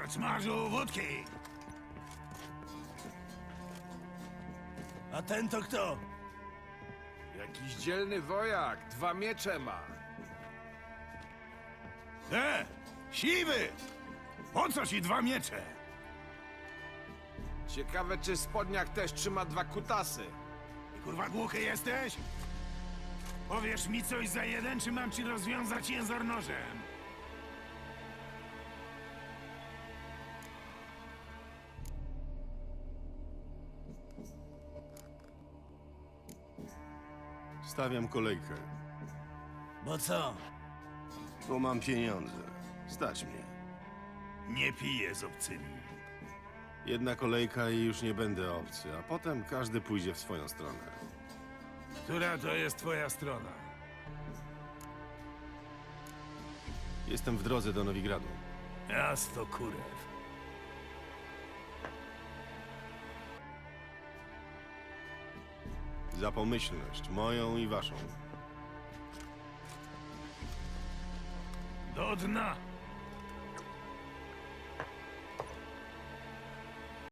Karczmarzu, wódki! A ten to kto? Jakiś dzielny wojak, 2 miecze ma. Siwy! Po co ci 2 miecze? Ciekawe, czy spodniak też trzyma 2 kutasy. Ty kurwa głuchy jesteś? Powiesz mi coś za 1, czy mam ci rozwiązać język nożem? Stawiam kolejkę, Bo co? bo mam pieniądze. Stać mnie. Nie piję z obcymi. Jedna kolejka i już nie będę obcy, a potem każdy pójdzie w swoją stronę. Która to jest twoja strona? Jestem w drodze do Nowigradu. Miasto kurew. Za pomyślność, moją i waszą. Do dna!